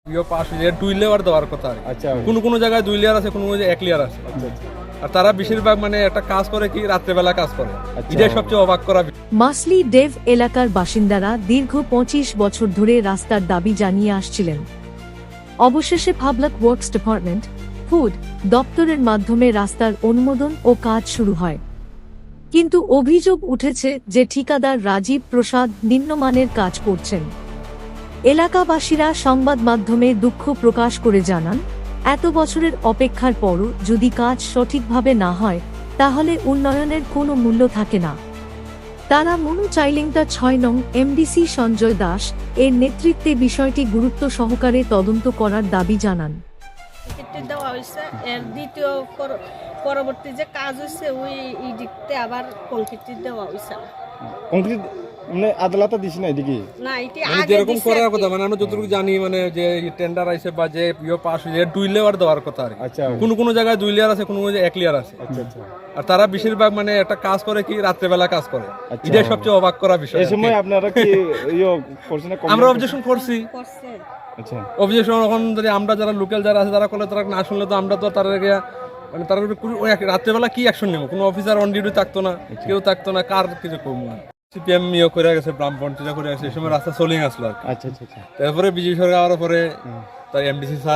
ইও পাস হয়ে যায় 2 লেয়ার দেওয়ার কথা। আচ্ছা, কোন কোন জায়গায় 2 লেয়ার আছে, কোন কোন জায়গায় 1 লেয়ার আছে। আর তারা বেশিরভাগ মানে একটা কাজ করে কি রাত্রেবেলা কাজ করে, এটাই সবচেয়ে অবাক করা। মাসলি ডেভ এলাকার বাসিন্দারা দীর্ঘ 25 বছর ধরে রাস্তার দাবি জানিয়ে আসছিলেন। অবশেষে পাবলিক ওয়ার্কস ডিপার্টমেন্ট ফুড দপ্তরের মাধ্যমে রাস্তার অনুমোদন ও কাজ শুরু হয়। কিন্তু অভিযোগ উঠেছে যে ঠিকাদার রাজীব প্রসাদ নিম্নমানের কাজ করছেন। এলাকাবাসীরা সংবাদ মাধ্যমে দুঃখ প্রকাশ করে জানান, এত বছরের অপেক্ষার পরও যদি কাজ সঠিকভাবে না হয় তাহলে উন্নয়নের কোনো মূল্য থাকে না। তারা মনু চাইলিংটা 6 নং এমডিসি সঞ্জয় দাস এর নেতৃত্বে বিষয়টি গুরুত্ব সহকারে তদন্ত করার দাবি জানান। দেওয়া হয়েছে এর দ্বিতীয় পরবর্তী যে কাজ হয়েছে ওই ইডিকতে আবার কংক্রিট দেওয়া হয়েছে। কংক্রিট মানে আদালতে দিছ না এদিকে না, এটা মানে আগে যেরকম দিছে করার আর কি। কথা, মানে আমরা যতটুকু জানি মানে যে টেন্ডার আইছে বা যে ইও পাস হয়ে যায় 2 লেয়ার দেওয়ার কথা। আচ্ছা, কোন কোন জায়গায় 2 লেয়ার আছে, কোন কোন জায়গায় 1 লেয়ার আছে। আচ্ছা। আর তারা বেশিরভাগ মানে একটা কাজ করে কি রাত্রেবেলা কাজ করে, আচ্ছা। এটাই সবচেয়ে অবাক করা বিষয়। এই সময় আপনারা কি করছেন না? আমরা অবজেকশন করছি। করছে। আচ্ছা, অবজেকশন এখন যদি আমরা যারা লোকাল যারা আছে তারা করলে, তারা না শুনলে তো আমরা তো তার আগে মানে তার রাত্রেবেলা কি অ্যাকশন নেব? কোনো অফিসার অন ডিউটি থাকতো না, কেউ থাকতো না, কার কিছু কমবো না। সিপিএম ইয়ে করে গেছে, ব্রাহ্মণ টিটা করে গেছে, এই সময় রাস্তা চলেই আসলো আর কি। আচ্ছা। তারপরে বিজয় সরকার আওয়ার পরে তার এমডিসি স্যার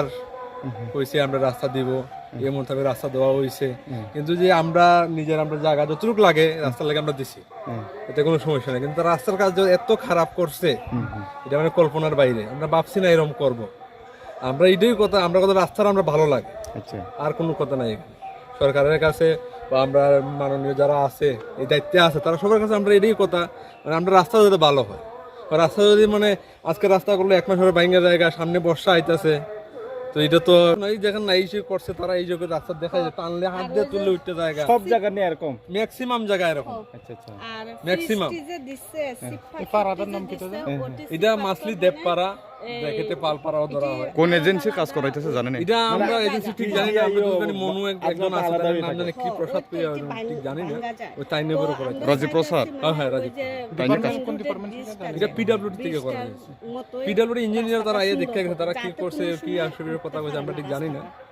কইছে আমরা রাস্তা দিব, এই মোতাবেক রাস্তা দেওয়া হয়েছে। কিন্তু যে আমরা আমরা জায়গা যতটুকু লাগে রাস্তার লাগে আমরা দিছি, এতে কোনো সমস্যা নেই। কিন্তু রাস্তার কাজ এত খারাপ করছে, এটা মানে কল্পনার বাইরে। আমরা ভাবছি না এরকম করব। আমরা এটাই কথা, আমরা কথা রাস্তার আমরা ভালো লাগে, আচ্ছা। আর কোনো কথা নাই। সরকারের কাছে বা আমরা মাননীয় যারা আছে এই দায়িত্বে আছে তারা সবার কাছে আমরা এটাই কথা, মানে আমরা রাস্তা যাতে ভালো হয়। রাস্তা যদি মানে আজকে রাস্তা করলে 1 মাস পরে ভাঙা জায়গা, সামনে বর্ষা আইতেছে, তো এটা তো এই যেখানে নাই করছে তারা এই জায়গায় রাস্তা দেখা যায় টানলে হাত দিয়ে তুললে উঠতে জায়গা সব জায়গা নিয়ে এরকম ম্যাক্সিমাম জায়গা এরকম। আচ্ছা। আর ম্যাক্সিমাম ফিস্টি যে দিছে এই পাড়াটার নাম কি তো এটা মাসলি দেবপাড়া ব্র্যাকেটে পালপাড়াও ধরা হয়। কোন এজেন্সি কাজ করাইতেছে জানেন? এটা আমরা এজেন্সি ঠিক জানি না, আমরা জানি মনু একজন আছে, তার নাম জানি কি প্রসাদ কইয়া, ঠিক জানি না, ওই তাই নিয়ে বড় করে। রাজীব প্রসাদ? হ্যাঁ রাজীব। এটা পিডব্লিউডি থেকে করা হয়েছে। পিডব্লিউডি ইঞ্জিনিয়ার তারা আইয়ে দেখে গেছে, তারা কি করছে কি আসলে কথা কইছে আমরা ঠিক জানি না।